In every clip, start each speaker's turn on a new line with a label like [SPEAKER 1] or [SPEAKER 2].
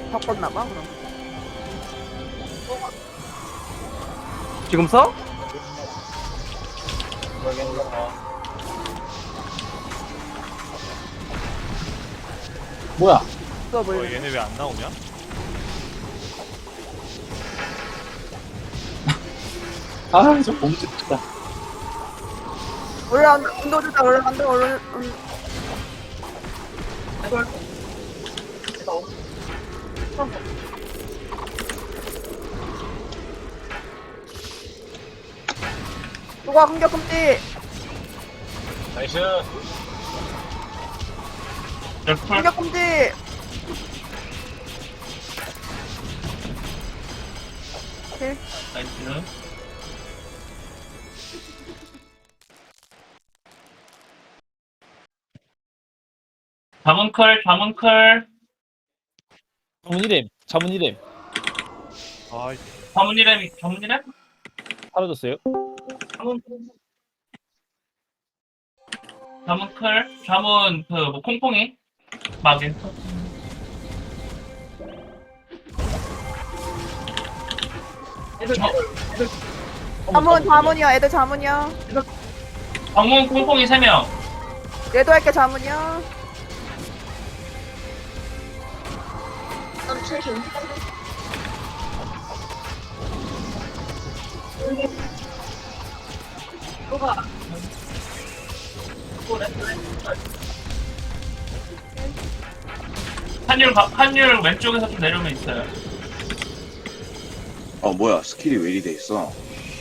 [SPEAKER 1] 바꿨나봐 그럼.
[SPEAKER 2] 지금 써?
[SPEAKER 3] 뭐야?
[SPEAKER 1] 써버리네.
[SPEAKER 4] 얘네 왜 안 나오냐?
[SPEAKER 3] 아, 저 봉지 진짜.
[SPEAKER 1] 올라온다. 운동주다 올라간다. 누가 공격 금지.
[SPEAKER 5] 나이스.
[SPEAKER 1] 공격 금지. 오케이.
[SPEAKER 5] 나이스. 자문클.
[SPEAKER 3] 자문 이름, 자문 이름
[SPEAKER 4] 아,
[SPEAKER 5] 자문이렘?
[SPEAKER 3] 사라졌어요?
[SPEAKER 5] 자문클. 자문, 뭐, 콩콩이. 마겐.
[SPEAKER 1] 자문이야. 애들 자문이야.
[SPEAKER 5] 방문 콩콩이 3명.
[SPEAKER 1] 얘도 할게 자문이야.
[SPEAKER 5] 한율 왼쪽에서 좀 내려오면 있어요.
[SPEAKER 6] 뭐야 스킬이 왜 이리 돼 있어?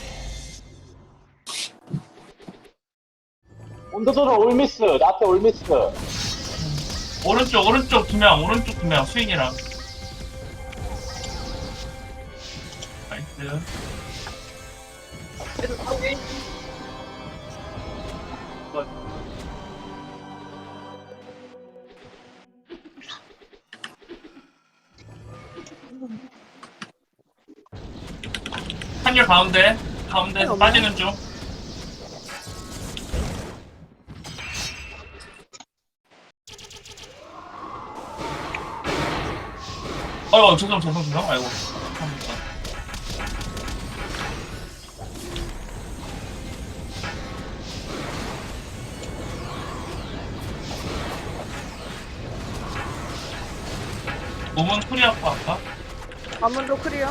[SPEAKER 3] 온도도로 올미스, 나한테 올미스.
[SPEAKER 5] 오른쪽 2명, 수인이랑. 나이스. 한율 가운데에서 빠지는 중. 죄송. 아이고. 감사합니다. 몸은 풀이 아까?
[SPEAKER 1] 자문도 클리어.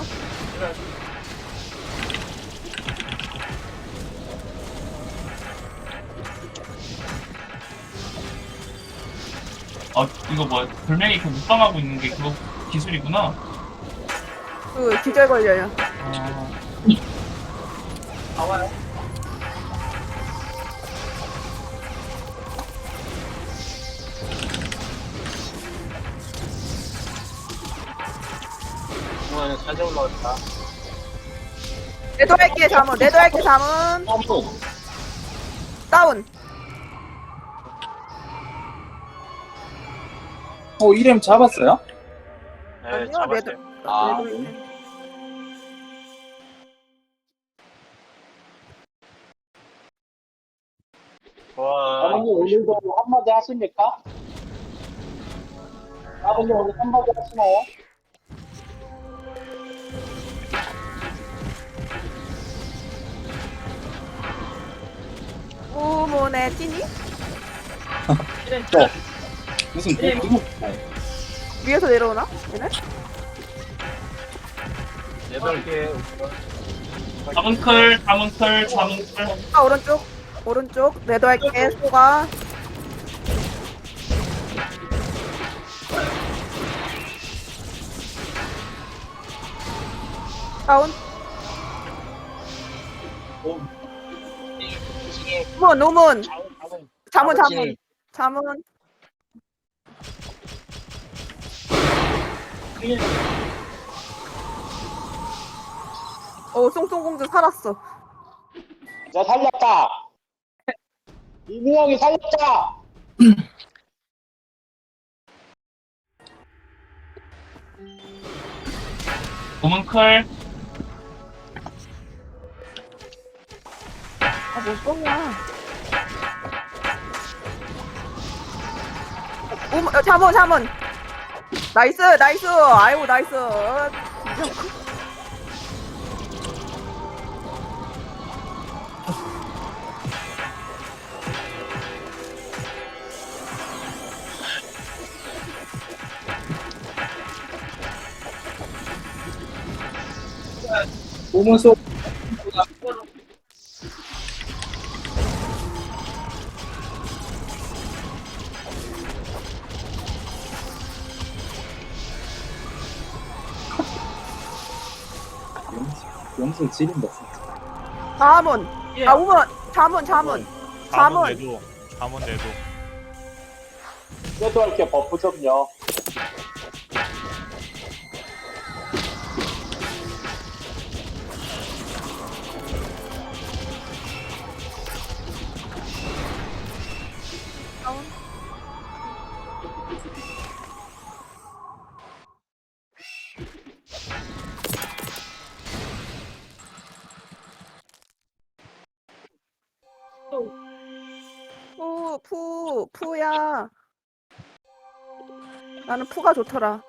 [SPEAKER 5] 이거 뭐야? 돌멩이 그 묵방하고 있는 게 그거 기술이구나.
[SPEAKER 1] 그 기절 걸려요.
[SPEAKER 5] 뭐야, 잘 올라왔다.
[SPEAKER 1] 내도 할게 자문. 다운.
[SPEAKER 3] 이름 잡았어요?
[SPEAKER 1] 아니요 내도.
[SPEAKER 3] 아,
[SPEAKER 1] 내도 할게.
[SPEAKER 3] 아버님 오늘도 한마디 하십니까? 아버님 오늘 한마디 하시나요?
[SPEAKER 1] 우문의 찐이?
[SPEAKER 3] 무슨 누구?
[SPEAKER 1] 위에서 내려오나? 얘네?
[SPEAKER 5] 8개. 자문클.
[SPEAKER 1] 오른쪽 내도 할게. 소가 다운. 우문 자문. 쏭쏭공주 살았어.
[SPEAKER 3] 나 살렸다. 이민영이 살렸다.
[SPEAKER 5] 고문클.
[SPEAKER 1] 못 쏘냐. 자문. 나이스 나이스. 아이고 나이스.
[SPEAKER 3] 몸은 속 영수 지린다 진짜.
[SPEAKER 1] 자문. 아 우문. 자문.
[SPEAKER 4] 자문
[SPEAKER 1] 자문.
[SPEAKER 4] 내도. 자문 내도.
[SPEAKER 3] 그래도 할게 버프 좀요.
[SPEAKER 1] 푸야. 나는 푸가 좋더라.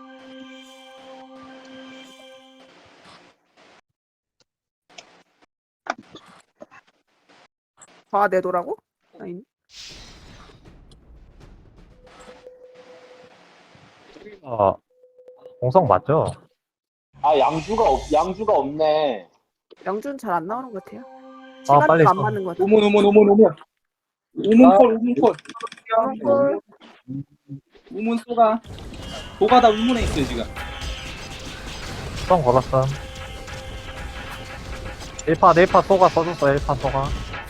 [SPEAKER 1] 아, 내도라고? 아니.
[SPEAKER 2] 공성 맞죠?
[SPEAKER 3] 아 양주가 없네.
[SPEAKER 1] 영준 잘 안 나오는 것 같아요.
[SPEAKER 2] 빨리
[SPEAKER 1] 시간도 안
[SPEAKER 2] 써.
[SPEAKER 1] 맞는 것 같아요.
[SPEAKER 3] 우문콜. 우문 쏘가. 도가 다 우문에 있어요 지금.
[SPEAKER 2] 수성 걸었음. 1파 소가 써줬어. 1파 소가.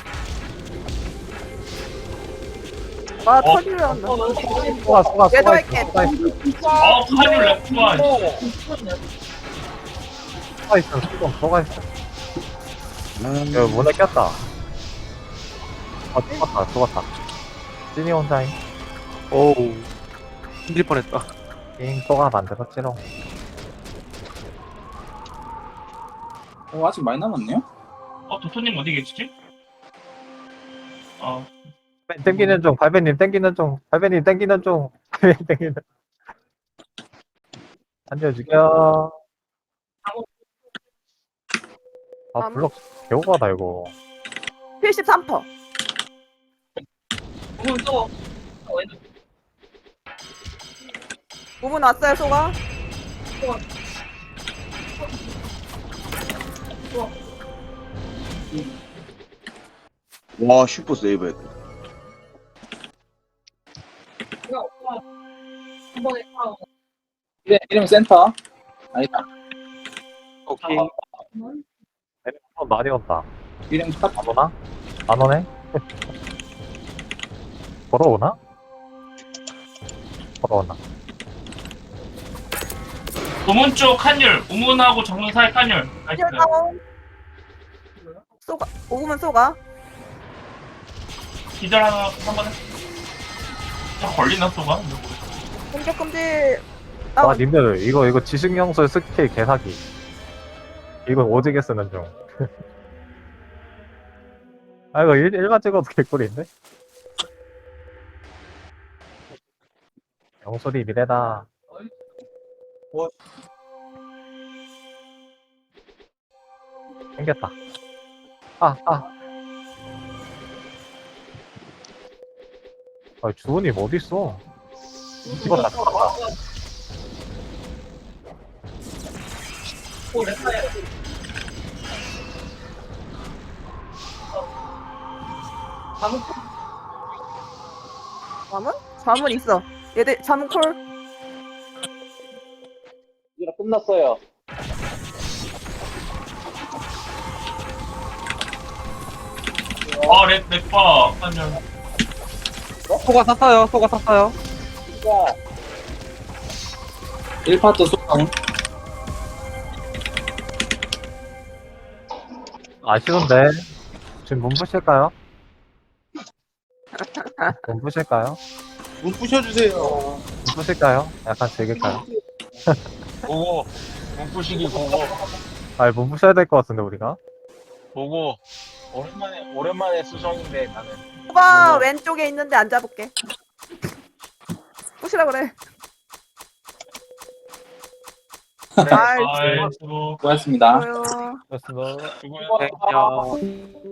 [SPEAKER 1] 아, 터지려 한다.
[SPEAKER 2] 소가
[SPEAKER 1] 얘도
[SPEAKER 2] 있어.
[SPEAKER 1] 할게.
[SPEAKER 2] 소가 있어.
[SPEAKER 5] 카뉴 렉구가.
[SPEAKER 2] 소가 있어. 소가 있어. 여기 문에 꼈다. 죽었다. 찐이 혼자인.
[SPEAKER 7] 오우 힘들 뻔했다.
[SPEAKER 2] 잉, 소가 만들었지롱.
[SPEAKER 3] 아직 많이 남았네요.
[SPEAKER 5] 도토님 어디 계시지?
[SPEAKER 2] 땡기는 중, 발베님 땡기는 중, 발베님 땡기는 중, 발베님 땡기는 중. 한줄 죽여. 아, 블럭 개오가다, 이거.
[SPEAKER 1] 73%. 우문 왔어요, 소가?
[SPEAKER 6] 와 슈퍼 세이브 했다.
[SPEAKER 3] 이름 센터. 아니다.
[SPEAKER 7] 오케이.
[SPEAKER 2] 많이 온다.
[SPEAKER 3] 이름 탑.
[SPEAKER 2] 안 오나? 안 오네? 걸어오나? 걸어오나?
[SPEAKER 5] 우문 쪽 칸율, 우문하고 정문 사이 칸율. 나이스.
[SPEAKER 1] 소가. 우문 소가.
[SPEAKER 5] 기절 하나 한번 해. 걸리나 쏘가?
[SPEAKER 1] 공격 금지.
[SPEAKER 2] 아, 님들, 이거 지식영술 스킬 개사기. 이거 오지게 쓰는 중. 아, 이거 일반 찍어도 개꿀인데? 영술이 미래다. 생겼다. 주은님 어딨어? 찍었다.
[SPEAKER 1] 자문? 자문 있어. 얘들 자문 콜.
[SPEAKER 3] 이제 끝났어요.
[SPEAKER 5] 렉바 칸율.
[SPEAKER 7] 소가 샀어요.
[SPEAKER 3] 진짜. 1파트 소통.
[SPEAKER 2] 아쉬운데. 지금 문 부실까요? 문 부실까요?
[SPEAKER 7] 문 부셔주세요.
[SPEAKER 2] 문 부실까요? 약간 즐길까요?
[SPEAKER 3] 보고. 문부시기 보고.
[SPEAKER 2] 아니, 문 부셔야 될 것 같은데, 우리가?
[SPEAKER 3] 보고. 오랜만에 수성인데 나는.
[SPEAKER 1] 소가 왼쪽에 있는데 안 잡을게. 부시라 그래. 아이,
[SPEAKER 5] 아이 수고.
[SPEAKER 8] 수고하셨습니다.
[SPEAKER 1] 수고요.
[SPEAKER 2] 그렇습니다.
[SPEAKER 3] 수고요.
[SPEAKER 7] 야.